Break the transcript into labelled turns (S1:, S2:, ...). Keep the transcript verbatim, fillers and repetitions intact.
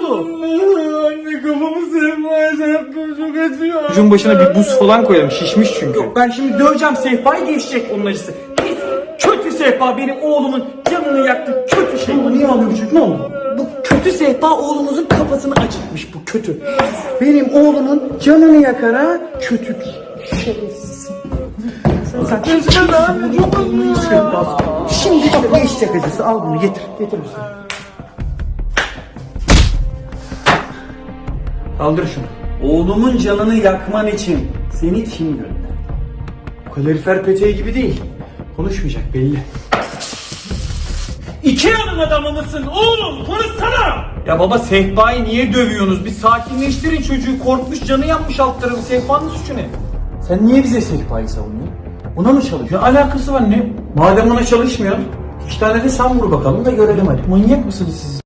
S1: oldu?
S2: Anne kafamı sehpaya çarptım, çok acıyor.
S1: Çocuğun başına bir buz falan koyalım, şişmiş çünkü.
S2: Yok ben şimdi döveceğim sehpayı, geçecek onun acısı. Pis, kötü sehpa benim oğlumun canını yaktı, kötü şey.
S1: Ama niye ağlıyor çocuk, ne oldu?
S2: Bu kötü sehpa oğlumuzun kafasını acıtmış, bu kötü. Benim oğlumun canını yakar ha, kötü bir şerefsiz. Sen sen abi çok acıyor ya. Şimdi bak geçecek acısı, al bunu getir, getir bunu.
S1: Kaldır şunu.
S2: Oğlumun canını yakman için seni kim gönderdi?
S1: Kalorifer peteği gibi değil. Konuşmayacak belli.
S2: Ikea'nın adamı mısın oğlum? Konuşsana!
S1: Ya baba, sehpayı niye dövüyorsunuz? Bir sakinleştirin çocuğu, korkmuş, canı yanmış alt tarafı. Sehpanın suçu ne? Sen niye bize sehpayı savunuyorsun? Buna mı çalışıyor? Alakası var ne? Madem ona çalışmıyor, iki tane de sen vur bakalım da görelim hadi. Manyak mısınız siz?